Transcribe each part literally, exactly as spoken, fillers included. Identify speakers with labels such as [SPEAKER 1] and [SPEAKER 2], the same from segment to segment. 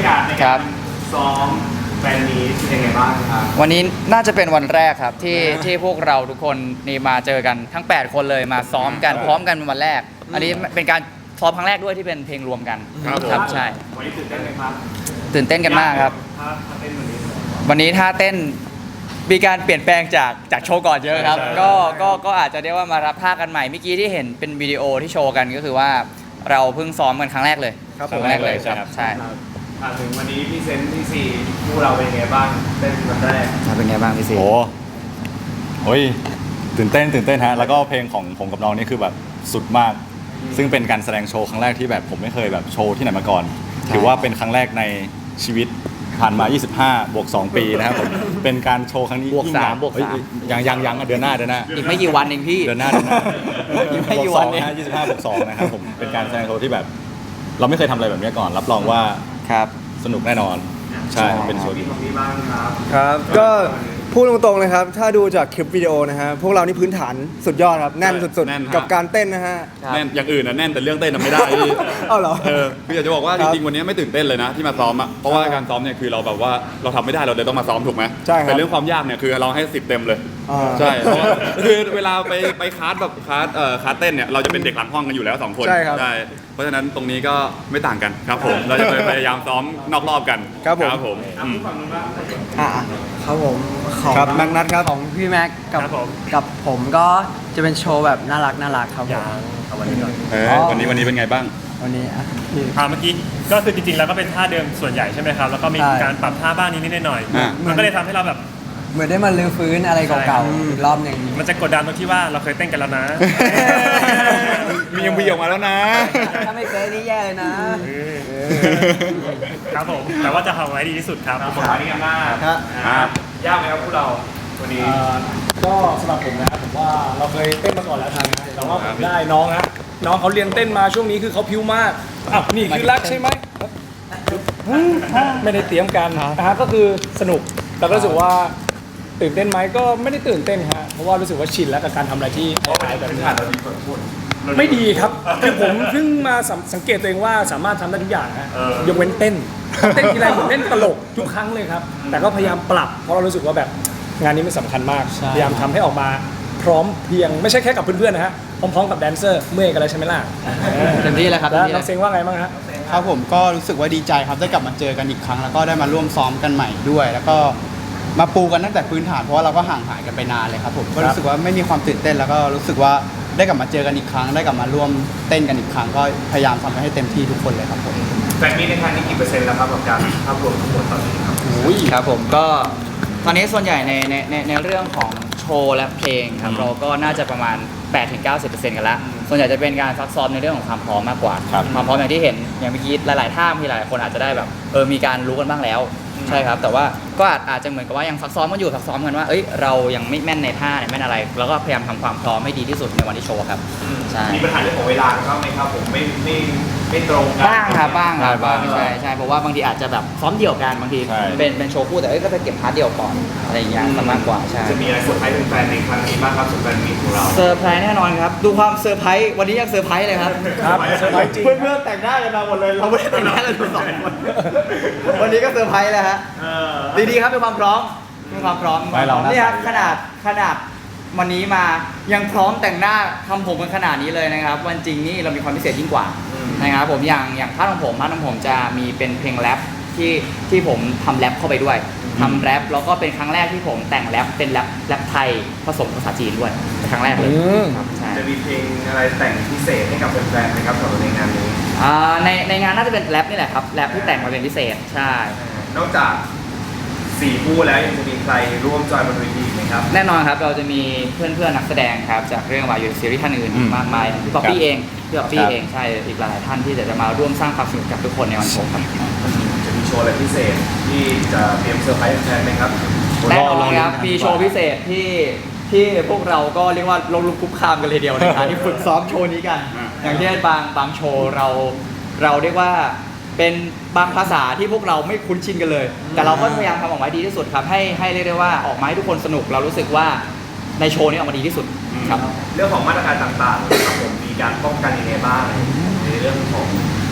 [SPEAKER 1] ากาศในการซ้อมแฟนมีตเป็นยังไงบ้างครับ
[SPEAKER 2] วันนี้น่าจะเป็นวันแรกครับที่ที่พวกเราทุกคนนี่มาเจอกันทั้งแปดคนเลยมาซ้อมกันพร้อมกันเป็นวันแรกอันนี้เป็นการซ้อมครั้งแรกด้วยที่เป็นเพลงรวมกันครับใช่
[SPEAKER 1] วันนี้ตื่นเต้นไหมครับ
[SPEAKER 2] ตื่นเต้นกันมากครับวันนี้ท่าเต้นมีการเปลี่ยนแปลงจากจากโชว์ก่อนเยอะครับก็ก็ก็อาจจะเรียกว่ามารับท่ากันใหม่เมื่อกี้ที่เห็นเป็นวิดีโอที่โชว์กันก็คือว่าเราเพิ่งซ้อมกันครั้งแรกเลยครั้งแรกเลยครับใช่
[SPEAKER 1] ถึงวันนี้พี่เซนพี่ซีพวกเราเป็นไงบ้างเต้นวันแรก
[SPEAKER 2] เป็นไงบ้างพี่ซี
[SPEAKER 3] โอ้โหตื่นเต้นตื่นเต้นฮะแล้วก็เพลงของผมกับน้องนี่คือแบบสุดมากซึ่งเป็นการแสดงโชว์ครั้งแรกที่แบบผมไม่เคยแบบโชว์ที่ไหนมาก่อนถือว่าเป็นครั้งแรกในชีวิตผ่านมายี่สิบห้าบวกสองปีนะครับผมเป็นการโชว์ครั้งนี้
[SPEAKER 2] บวกสามบวกสาม
[SPEAKER 3] ยังยังยังเดือนหน้าเดือนหน้า
[SPEAKER 2] อีกไม่กี่วันเองพี่
[SPEAKER 3] เดือนหน้าเดือนหน้าอีกไม่กี่วันเองยี่สิบห้าบวกสองนะครับผมเป็นการแสดงโชว์ที่แบบเราไม่เคยทำอะไรแบบนี้ก่อนรับรองว่า
[SPEAKER 2] ครับ
[SPEAKER 3] สนุกแน่นอนใช่เป็นโชว์ที่
[SPEAKER 1] บ้างครับ
[SPEAKER 4] ครับก็พูดตรงๆเลยครับถ้าดูจากคลิปวิดีโอนะฮะพวกเรานี่พื้นฐานสุดยอดครับแน่นสุดๆกับการเต้นนะฮะ
[SPEAKER 3] แน่นอย่างอื่นนะแน่นแต่เรื่องเต้นน่ะไม่ได้
[SPEAKER 4] เอ้าเหรอ
[SPEAKER 3] เออพี่อยากจะบอกว่าจริงๆวันนี้ไม่ตื่นเต้นเลยนะที่มาซ้อมอ่ะเพราะว่าการซ้อมเนี่ยคือเราแบบว่าเราทำไม่ได้เราเลยต้องมาซ้อมถูกไหม
[SPEAKER 4] ใช่ครับ
[SPEAKER 3] แต่เรื่องความยากเนี่ยคือเราให้สิบเต็มเลยใช่เพราะคือเวลาไปไปคลาสแบบคลาสเอ่อคลาสเต้นเนี่ยเราจะเป็นเด็กหลังห้องกันอยู่แล้วสองคน
[SPEAKER 4] ใช่ครับ
[SPEAKER 3] เพราะฉะนั้นตรงนี้ก็ไม่ต่างกันครับผมเราจะพยายามซ้อมนอกรอบกัน
[SPEAKER 4] ครับผม
[SPEAKER 3] ครับผม
[SPEAKER 5] อ่ะครับผมของ
[SPEAKER 4] ครับแม็กนัทครับ
[SPEAKER 5] ของพี่แม็กกับกับผมก็จะเป็นโชว์แบบน่ารักน่ารักครับผม
[SPEAKER 3] เอาวันนี้ก่อนเออวันนี้วันนี้เป็นไงบ้าง
[SPEAKER 5] วันนี้อ่ะ
[SPEAKER 1] อ่าเมื่อกี้ก็คือจริงๆแล้วก็เป็นท่าเดิมส่วนใหญ่ใช่ไหมครับแล้วก็มีการปรับท่าบ้างนิดๆหน่อยๆมันก็เลยทำให้เราแบบ
[SPEAKER 5] เหมือนได้มาลื้อฟื้นอะไรเก่าๆอีกรอบหนึ่ง
[SPEAKER 1] มันจะกดดันตรงที่ว่าเราเคยเต้นกันแล้วนะ
[SPEAKER 3] มียังมีออกมาแล้วนะ
[SPEAKER 5] ถ้าไม่เป๊ะนี่แย่เลยนะครับ
[SPEAKER 1] ผมแต่ว่าจะทำไว้ดีที่สุดครับขอบคุณมากครับยากไหมครับพวกเราวันนี้
[SPEAKER 6] ก็สำหรับผมนะผมว่าเราเคยเต้นมาก่อนแล้วทางนะแต่ว่าผมได้น้องฮะน้องเขาเรียนเต้นมาช่วงนี้คือเขาพิ้วมากอ้าวนี่คือรักใช่ไหมไม่ได้เตรียมกันนะฮะก็คือสนุกแล้วก็รู้สึกว่าตื่นเต้นไหมก็ไม่ได้ตื่นเต้นฮะเพราะว่ารู้สึกว่าชินแล้วกับการทำอะไรที่คล้ายๆแบบนี้ไม่ดีครับคือผมเพิ่งมาสังเกตตัวเองว่าสามารถทำได้ทุกอย่างฮะยกเว้นเต้นเต้นทีไรเหมือนเล่นตลกทุกครั้งเลยครับแต่ก็พยายามปรับเพราะเรารู้สึกว่าแบบงานนี้มันสำคัญมากพยายามทำให้ออกมาพร้อมเพียงไม่ใช่แค่กับเพื่อนๆนะฮะพร้อมๆกับแดนเซอร์เมื่อยกันแล้วใช่ไหมล่ะ
[SPEAKER 2] เต็มที่แล้วครับ
[SPEAKER 6] แล้วน้องเซ็งว่าไงบ้างฮะ
[SPEAKER 7] ครับผมก็รู้สึกว่าดีใจครับได้กลับมาเจอกันอีกครั้งแล้วก็ได้มาร่วมซ้อมกันใหม่ด้วยแล้วก็มาปูกันตั้งแต่พื้นฐานเพราะว่าเราก็ห่างหายกันไปนานเลยครับผมก็รู้สึกว่าไม่มีความตื่นเต้นแล้วก็รู้สึกว่าได้กลับมาเจอกันอีกครั้งได้กลับมาร่วมเต้นกันอีกครั้งก็พยายามทำให้เต็มที่ทุกคนเลยครับผม
[SPEAKER 1] แฟนมีในครั้งนี้กี่เปอร์เซ็นต์แล้วครับกับการภาพรวมทั้งหมดตอนนี้ครับ
[SPEAKER 2] อุ้ยครับผมก็ตอนนี้ส่วนใหญ่ในในในในเรื่องของโชว์และเพลงครับเราก็น่าจะประมาณ แปดถึงเก้าสิบเปอร์เซ็นต์ กันแล้วส่วนใหญ่จะเป็นการซักซ้อมในเรื่องของความพร้อมมากกว่าความพร้อมอย่างที่เห็นอย่างเมื่อกี้หลายๆท่าที่หลายคนอาจจะได้แบบเออมีการรู้กันบ้างแล้วใช่ครับแต่ว่าก็อาจจะเหมือนกับว่ายังซักซ้อมกันอยู่ซักซ้อมกันว่าเอ้ยเรายังไม่แม่นในท่าเนี่ยแม่นอะไรแล้วก็พยายามทำความพร้อมให้ดีที่สุดในวันที่โชว์ครับ
[SPEAKER 1] ใช่มีปัญหาเรื่องของเวลาครับไหมครับผมไม่ไม่ไม่ตรงกัน
[SPEAKER 2] บ้างครับบ้างครับบ้างใช่ใช่เพราะว่าบางทีอาจจะแบบซ้อมเดี่ยวกันบางทีเป็นเป็นโชว์คู่แต่เอ้ยก็จะเก็บพาร์ทเดี่ยวก่อนอะไรอย่างเงี้ยมากกว่าใช่
[SPEAKER 1] จะมีอะไรเซอร์ไพรส์แฟนในครั้งนี้บ้างครับสุดแฟนมีของเรา
[SPEAKER 2] เซอร์ไพรส์แน่นอนครับดูความเซอร์ไพรส์วันนี้ยังเซอร์ไพรส์เลยครับ
[SPEAKER 6] ครับเซอร์ไพรส์จริง
[SPEAKER 2] เพื่อนๆแต่งหน้ากันมาหมดเลยเราไม่ได้แต่งหน้าเลยสองคนวันนี้ก็เซอร์ไพรส์แล้วฮะดีๆครับเป็นความพร้อมเป็นความพร้อมนี่ครับขนาดขนาดวันนี้มายังพร้อมแต่งหน้าทำผมกันขนาดนี้เลยนะครับวันจริงนี่เรามีความพิเศษยิ่งกว่านะครับผมอย่างอย่างพาร์ทของผมพาร์ทของผมจะมีเป็นเพลงแรปที่ที่ผมทำแรปเข้าไปด้วยทำแรปแล้วก็เป็นครั้งแรกที่ผมแต่งแรปเป็นแรปแรปไทยผสมภาษาจีนด้วยเป็นครั้งแรกเลย
[SPEAKER 1] จะมีเพลงอะไรแต่งพิเศษให้กับแฟนๆไหมครับสำหรับในงานนี้
[SPEAKER 2] ในในงานน่าจะเป็นแรปนี่แหละครับแรปที่แต่งมาเป็นพิเศษใช่
[SPEAKER 1] นอกจากสี่คู่แล้วยังจะมีใครร่วมจอยบนเวทีไหมครับ
[SPEAKER 2] แน่นอนครับเราจะมีเพื่อนๆนักแสดงครับจากเรื่องวายยูซีรีส์ท่านอื่นมากมายพี่ป๊อปปี้เองพี่ป๊อปปี้เองใช่อีกหลายท่านที่จะมาร่วมสร้างความสนุกกับทุกคนในวันโชว์ครับ
[SPEAKER 1] จะมีโชว์อะไรพิเศษที่จะเตรียมเซอร์ไพรส์แฟนไหมครับ
[SPEAKER 2] แน่นอนครับมีโชว์พิเศษที่ที่พวกเราก็เรียกว่าลงลุกคุกคามกันเลยเดียวในการที่ฝึกซ้อมโชว์นี้กันอย่างเช่นบางบางโชว์เราเราเรียกว่าเป็นบางภาษาที่พวกเราไม่คุ้นชินกันเลยแต่เราก็พยายามทำออกมาดีที่สุดครับให้ให้เรียกได้ว่าออกมาให้ทุกคนสนุกเรารู้สึกว่าในโชว์นี้ออกมาดีที่สุดครับ
[SPEAKER 1] เรื่องของมาตรการต่างๆครับผมมีการป้องกันยังไงบ้างในเรื่องของ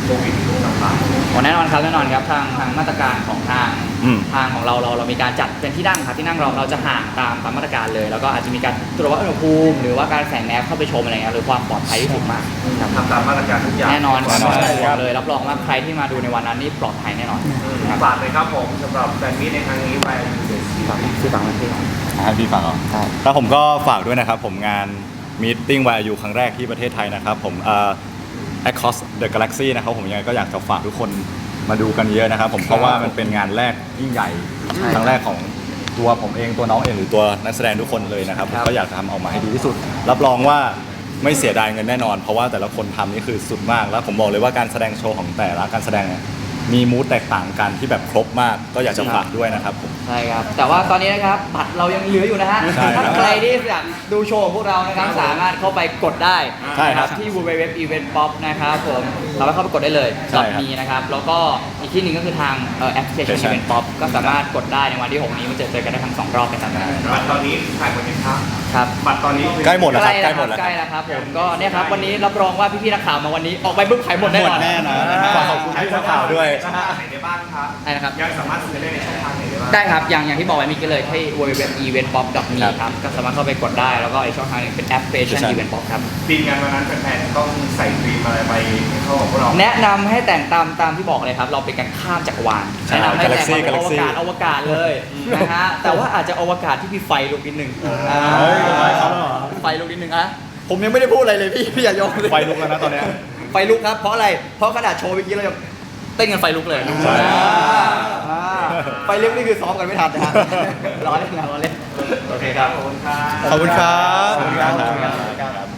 [SPEAKER 8] โควิดหรือต่าง
[SPEAKER 2] อ๋อแน่นอนครับแน่นอนครับทางทางมาตรการของทาง
[SPEAKER 3] อืม
[SPEAKER 2] ทางของเราเราเรามีการจัดเป็นที่นั่งครับที่นั่งเราเราจะห่างตามตามมาตรการเลย แล้วก็อาจจะมีการตรวจวัดอุณหภูมิหรือว่าการใส่แมสเข้าไปชมอะไรเงี้ยหรือความปลอดภัยที่สูงมากครับ
[SPEAKER 8] ๆทำตามมาตรการทุกอย่าง
[SPEAKER 2] แน่นอน
[SPEAKER 3] แน่นอน
[SPEAKER 2] ไม่ต้องห่วงเลยรับรองว่าใครที่มาดูในวันนั้นนี่ปลอดภัยแน่นอนครับ
[SPEAKER 8] ฝากเลยครับผมสำหรับแฟนมีตในครั้งนี้ไปเดอะซี
[SPEAKER 2] ฝากชื่อฟังไว้ที่
[SPEAKER 3] ให้พี่ฟังเหรอแล้วผมก็ฝากด้วยนะครับ ผมงาน Meeting วาย ยู ครั้งแรกที่ประเทศไทยนะครับ ผมเอ่อ Across the Galaxy นะครับผมยังไงก็อยากจะฝากทุกคนมาดูกันเยอะนะครับ ผมเพราะว่ามันเป็นงานแรกยิ่งใหญ่ครั้งแรกของตัวผมเองตัวน้องเองหรือตัวนักแสดงทุกคนเลยนะครับผมก็อยากจะทำออกมาให้ดีที่สุด รับรองว่าไม่เสียดายเงินแน่นอน เพราะว่าแต่ละคนทำนี่คือสุดมาก แล้วผมบอกเลยว่าการแสดงโชว์ของแต่ละการแสดงเนี่ยมีมูดแตกต่างกันที่แบบครบมาก ก็อยากจะฝากด้วยนะครับผม
[SPEAKER 2] ใช่ครับ แต่ว่าตอนนี้นะครับบัตรเรายังเหลืออยู่นะฮะ
[SPEAKER 3] ใช่ครับ
[SPEAKER 2] ถ้าใครที่อยากดูโชว์ของพวกเรานะครับสามารถเข้าไปกดได้
[SPEAKER 3] ใช่ครับ
[SPEAKER 2] ที่ ดับเบิลยู ดับเบิลยู ดับเบิลยู ดอท อีเวนต์ป๊อป นะครับผมสามารถเข้าไปกดได้เลย
[SPEAKER 3] ใช่ครับ
[SPEAKER 2] มีนะครับ แล้วก็อีกที่หนึ่งก็คือทางเอ่อแอปพลิเคชัน Event Pop ก็สามารถกดได้ในวันที่หกนี้มาเจอเจอกันได้ทั้งสองรอบเป็นจำได้
[SPEAKER 8] บัตรตอนนี้ขายหมดยังครับ
[SPEAKER 2] ครับ
[SPEAKER 8] บัตรตอนนี้คือ
[SPEAKER 3] ใกล้หมดแล้วครับ
[SPEAKER 2] ใก
[SPEAKER 3] ใก
[SPEAKER 2] ล้
[SPEAKER 3] ล้หมดแล้ว
[SPEAKER 2] ใก
[SPEAKER 3] ค
[SPEAKER 2] ล้
[SPEAKER 3] รับ
[SPEAKER 2] แล้วครับผมก็เนี่ยครับวันนี้รับรองว่าพี่ๆนักข่าวมาวันนี้ออกไปปุ๊บขายหมดแน่นอน
[SPEAKER 7] หมดแน่นอน
[SPEAKER 3] ฝากขอบคุณพี่นักข่าวด้วย
[SPEAKER 8] ช่องทางไหนได้บ้างครับ
[SPEAKER 2] ใช่นะครับ
[SPEAKER 8] ยังสามารถซื้อได้ในช่องทางไหนได้บ้าง
[SPEAKER 2] ได้ครับ อย่างอย่างที่บอกไว้เมีกันเลยที่ ดับเบิลยู ดับเบิลยู ดับเบิลยู ดอท อีเวนต์ป๊อป ดอท มี ครับ ก็สามารถเข้าไปกดได้ แล้วก็อีกช่องทางหนึงเป็นแอปพลิเคชัน Event Pop ครับ
[SPEAKER 8] ทีมงานวันนั้นแฟนๆต้องใส่ธีมอะไรไปเข้ากับพวกเรา
[SPEAKER 2] แนะนำให้แต่งตามตามที่บอกเลยครับ เราเป็นการข้ามจักรวาล
[SPEAKER 3] ใช่
[SPEAKER 2] แนะนำให้แต่ง
[SPEAKER 3] Galaxy
[SPEAKER 2] มาเป็นอว
[SPEAKER 3] Galaxy
[SPEAKER 2] กาศอวกาศเลยนะฮะ แต่ว่าอาจจะอวกาศที่มีไฟลุกนิดนึงอ่า
[SPEAKER 3] เฮ้ยทำไมครับ
[SPEAKER 2] ไฟลุกนิดนึงอะผมยังไม่ได้พูดอะไรเลยพี่พี่อย่ายกเลย
[SPEAKER 3] ไฟลุกแล้วนะตอนเนี้ย
[SPEAKER 2] ไฟลุกครับ เพราะอะไร เพราะขนาดโชว์เมื่อกี้เรายังเต้นกันไฟลุกเลย
[SPEAKER 3] ใช่
[SPEAKER 2] อ่าอ่าไฟลุกนี่คือซ้อมกันไม่ทันนะฮะร้อนเล่นนะร้อนเล่นโอเคครับ
[SPEAKER 8] ขอบคุณครับ
[SPEAKER 7] ขอบคุณครับ
[SPEAKER 3] ขอบคุณครับ